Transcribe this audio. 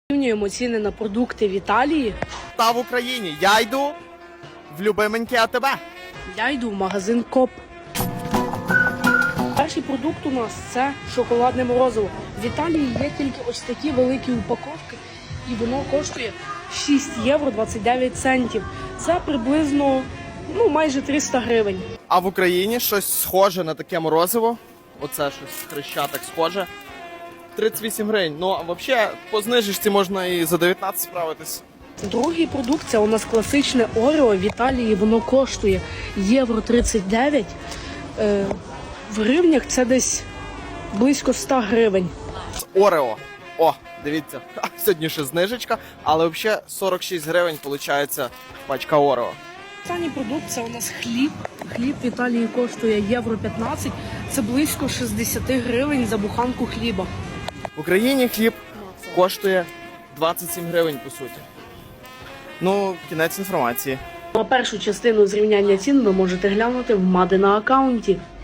Порівнюємо ціни на продукти в Італії. Та в Україні. Я йду в любименьке АТБ. Я йду в магазин КОП. Перший продукт у нас це шоколадне морозиво. В Італії є тільки ось такі великі упаковки, і воно коштує 6 євро 29 центів. Це приблизно майже 300 гривень. А в Україні щось схоже на таке морозиво. Оце щось хрещатик схоже. 38 гривень. Ну, а взагалі, по знижечці можна і за 19 справитись. Другий продукт це у нас класичне Орео. В Італії воно коштує євро 39. В гривнях це десь близько 100 гривень. Орео. О, дивіться, сьогодні ще знижечка, але взагалі 46 гривень виходить пачка Орео. Останній продукт це у нас хліб. Хліб в Італії коштує євро 15. Це близько 60 гривень за буханку хліба. В Україні хліб коштує 27 гривень, по суті. Ну, кінець інформації. А першу частину зрівняння цін ви можете глянути в Мади на аккаунті.